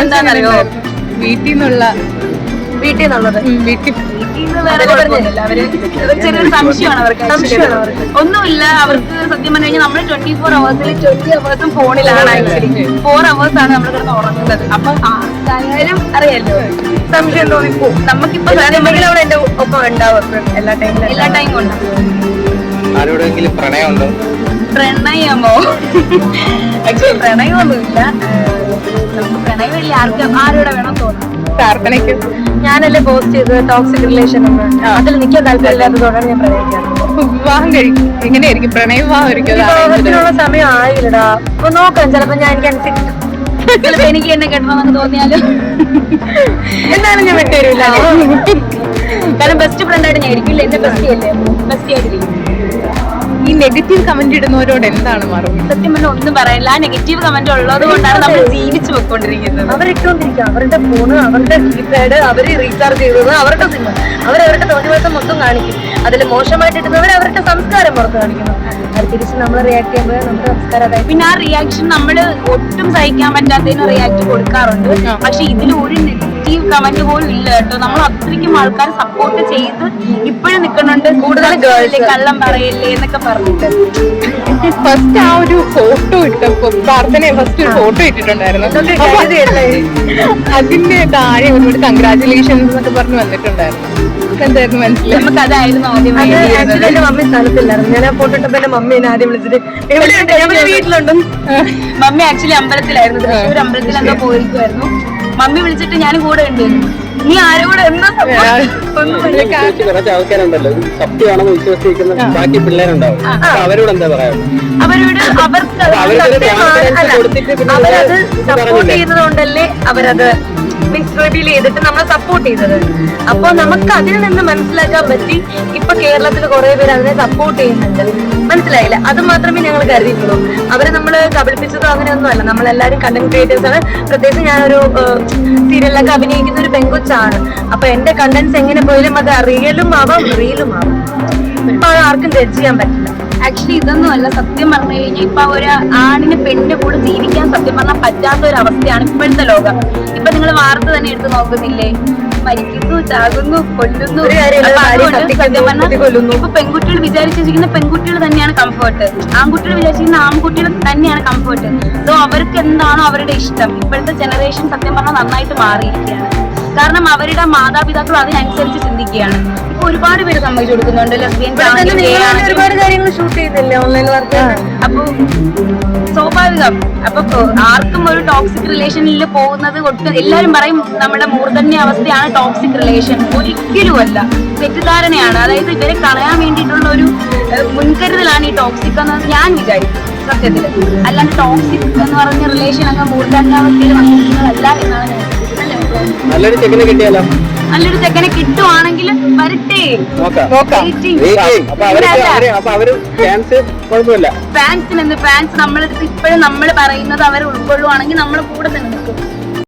എന്താണെന്നറിയോ, വീട്ടിൽ നിന്നുള്ളത് ചെറിയൊരു സംശയമാണ് അവർക്ക്. ഒന്നുമില്ല, അവർക്ക് സത്യം പറഞ്ഞു കഴിഞ്ഞാൽ നമ്മൾ 24 hours 20 hours ഫോണിലാണ്. ആക്ച്വലി 4 hours ആണ് നമ്മൾ കിടന്ന് ഉറങ്ങുന്നത്. അപ്പൊ ആർക്കായാലും അറിയാലോ സംശയം തോന്നിപ്പോ. നമുക്കിപ്പോ അവിടെ എന്റെ ഒപ്പം ഉണ്ടാവും എല്ലാ ടൈമും ഉണ്ടാവും. പ്രണയമോ? ആക്ച്വലി പ്രണയമൊന്നുമില്ല. നമുക്ക് പ്രണയമില്ല. ആരോടെ വേണം തോന്നുന്നു. പ്രാർത്ഥനയ്ക്ക് ഞാനല്ലേ പോസ്റ്റ് ചെയ്തത് ടോക്സിക് റിലേഷൻ എന്ന്. അതിൽ നിൽക്കാൻ താല്പര്യമില്ലാത്തതോടാണ് ഞാൻ പ്രണയിക്കാറ്. വിവാഹം കഴിക്കും എങ്ങനെയായിരിക്കും? പ്രണയവിവാഹത്തിനുള്ള സമയം ആയില്ലടാ. അപ്പൊ നോക്കാം, ചിലപ്പോ ഞാൻ ചിലപ്പോ എനിക്ക് എന്നെ കെട്ടണമെന്നൊക്കെ തോന്നിയാലും എന്നാലും ഞാൻ വിട്ടുതരില്ല. കാരണം ബെസ്റ്റ് ഫ്രണ്ട് ആയിട്ട് ഞാൻ ഇരിക്കില്ല. എന്റെ ബെസ്റ്റി അല്ലേ, ബെസ്റ്റി ആയിട്ടിരിക്കും. ഈ നെഗറ്റീവ് കമന്റ് ഇടുന്നവരോട് എന്താണ് മറുപടി? സത്യം പറഞ്ഞാൽ ഒന്നും പറയില്ല. ആ നെഗറ്റീവ് കമന്റ് ഉള്ളത് കൊണ്ടാണ് നമ്മൾ ജീവിച്ചു പോയിക്കൊണ്ടിരിക്കുന്നത്. അവരിട്ടോണ്ടിരിക്കുക, അവരുടെ ഫോണ്, അവരുടെ കീപാഡ്, അവര് റീചാർജ് ചെയ്തത്, അവരുടെ സിം, അവരവരുടെ തോന്നിവാസം മൊത്തം കാണിക്കും. അതിൽ മോശമായിട്ട് ഇടുന്നവർ അവരുടെ സംസ്കാരം പുറത്ത് കാണിക്കുന്നു. അത് തിരിച്ച് നമ്മൾ റിയാക്ട് ചെയ്യുമ്പോൾ നമ്മുടെ സംസ്കാരം അതായത് പിന്നെ ആ റിയാക്ഷൻ നമ്മൾ ഒട്ടും സഹിക്കാൻ പറ്റാത്തതിന് റിയാക്ട് കൊടുക്കാറുണ്ട്. പക്ഷെ ഇതിൽ ഒരു നെഗറ്റീവ് കമന്റ് പോലും ഇല്ല കേട്ടോ. നമ്മൾ അത്രയ്ക്കും ആൾക്കാർ സപ്പോർട്ട് ചെയ്ത് ഇപ്പോഴും നിൽക്കുന്നുണ്ട്. കൂടുതൽ ഗേൾസ് കള്ളം പറയല്ലേ എന്നൊക്കെ പറഞ്ഞിട്ട് ഫസ്റ്റ് ആ ഒരു ഫോട്ടോ ഇട്ടപ്പോ പ്രാർത്ഥന ഫസ്റ്റ് ഒരു ഫോട്ടോ ഇട്ടിട്ടുണ്ടായിരുന്നു. അതിന്റെ താഴെ ഒരുപാട് കൺഗ്രാറ്റുലേഷൻസ് എന്നൊക്കെ പറഞ്ഞ് വന്നിട്ടുണ്ടായിരുന്നു. എന്തായിരുന്നു മനസ്സിലായി? നമുക്ക് അതായിരുന്നു ആദ്യം. എന്റെ മമ്മി സ്ഥലത്തില്ലായിരുന്നു. ഞാൻ ആ ഫോട്ടോ ഇട്ടപ്പോ എന്റെ മമ്മി എന്നെ ആദ്യം വിളിച്ചിട്ട് വീട്ടിലുണ്ട്. മമ്മി ആക്ച്വലി അമ്പലത്തിലായിരുന്നു, തൃശ്ശൂർ അമ്പലത്തിൽ എന്തോ പോയിരിക്കുമായിരുന്നു. മമ്മി വിളിച്ചിട്ട് ഞാൻ കൂടെ ഉണ്ട്. നീ ആരോട് എന്താ ആൾക്കാരുണ്ടല്ലോ സത്യമാണെന്ന് വിശ്വസിക്കുന്ന ബാക്കി പിള്ളേരുണ്ടാവും, അവരോട് എന്താ പറയാ? അവരോട് അവരത് സപ്പോർട്ട് ചെയ്യുന്നത് കൊണ്ടല്ലേ അവരത് മീൻസ് റിവീൽ ചെയ്തിട്ട് നമ്മളെ സപ്പോർട്ട് ചെയ്തത്. അപ്പൊ നമുക്ക് അതിൽ നിന്ന് മനസ്സിലാക്കാൻ പറ്റി ഇപ്പൊ കേരളത്തിൽ കുറെ പേര് അതിനെ സപ്പോർട്ട് ചെയ്യുന്നുണ്ട്. മനസ്സിലായില്ല? അത് മാത്രമേ ഞങ്ങൾ കരുതിയിട്ടുള്ളൂ. അവരെ നമ്മൾ കബളിപ്പിച്ചതോ അങ്ങനെയൊന്നും അല്ല. നമ്മളെല്ലാരും കണ്ടന്റ് ക്രിയേറ്റേഴ്സ് ആണ്. പ്രത്യേകിച്ച് ഞാനൊരു സീരിയലിലൊക്കെ അഭിനയിക്കുന്ന ഒരു പെങ്കൊച്ചാണ്. അപ്പൊ എന്റെ കണ്ടന്റ്സ് എങ്ങനെ പോയാലും അത് റിയലും ആവാം റീലും ആവാം. ഇപ്പൊ ആർക്കും ജഡ്ജ് ചെയ്യാൻ പറ്റില്ല. ആക്ച്വലി ഇതൊന്നും അല്ല. സത്യം പറഞ്ഞു കഴിഞ്ഞാൽ ഇപ്പൊ ഒരു ആണിന് പെണ്ണിന്റെ കൂടെ ജീവിക്കാൻ സത്യം പറഞ്ഞാൽ പറ്റാത്ത ഒരു അവസ്ഥയാണ് ഇപ്പോഴത്തെ ലോകം. ഇപ്പൊ നിങ്ങൾ വാർത്ത തന്നെ എടുത്ത് നോക്കുന്നില്ലേ? മരിക്കുന്നു, ചാകുന്നു, കൊല്ലുന്നു. ഇപ്പൊ പെൺകുട്ടികൾ വിചാരിച്ചിരിക്കുന്ന പെൺകുട്ടികൾ തന്നെയാണ് കംഫർട്ട്, ആൺകുട്ടികൾ വിചാരിച്ചിരിക്കുന്ന ആൺകുട്ടികൾ തന്നെയാണ് കംഫർട്ട്. സോ അവർക്ക് എന്താണോ അവരുടെ ഇഷ്ടം. ഇപ്പോഴത്തെ ജനറേഷൻ സത്യം പറഞ്ഞാൽ നന്നായിട്ട് മാറിയിരിക്കുകയാണ്. കാരണം അവരുടെ മാതാപിതാക്കൾ അതിനനുസരിച്ച് ചിന്തിക്കുകയാണ്. ഇപ്പൊ ഒരുപാട് പേര് സമ്മതിച്ചു കൊടുക്കുന്നുണ്ട്. ഒരുപാട് കാര്യങ്ങൾ ഷൂട്ട് ചെയ്യുന്നില്ലേ ഓൺലൈൻ വർക്ക്. അപ്പൊ സ്വാഭാവികം. അപ്പൊ ആർക്കും ഒരു ടോക്സിക് റിലേഷനിൽ പോകുന്നത് ഒട്ടും എല്ലാരും പറയും നമ്മുടെ മൂർധന്യ അവസ്ഥയാണ് ടോക്സിക് റിലേഷൻ. ഒരിക്കലും അല്ല, തെറ്റിദ്ധാരണയാണ്. അതായത് ഇവരെ കളയാൻ വേണ്ടിയിട്ടുള്ള ഒരു മുൻകരുതലാണ് ഈ ടോക്സിക് എന്ന് ഞാൻ വിചാരിക്കും സത്യത്തില്. അല്ലാണ്ട് ടോക്സിക് എന്ന് പറഞ്ഞ റിലേഷൻ അങ്ങ് മൂർധന്യാവസ്ഥയിൽ വന്നിരിക്കുന്നതല്ല എന്നാണ് ഞാൻ. നല്ലൊരു ചെക്കനെ കിട്ടിയാലോ? നല്ലൊരു ചെക്കനെ കിട്ടുവാണെങ്കിൽ വരട്ടെ. ഫാൻസിനെന്ത്? ഫാൻസ് നമ്മളെടുത്ത് ഇപ്പോഴും നമ്മൾ പറയുന്നത് അവരെ ഉൾക്കൊള്ളുവാണെങ്കിൽ നമ്മൾ കൂടെ തന്നെ നിൽക്കും.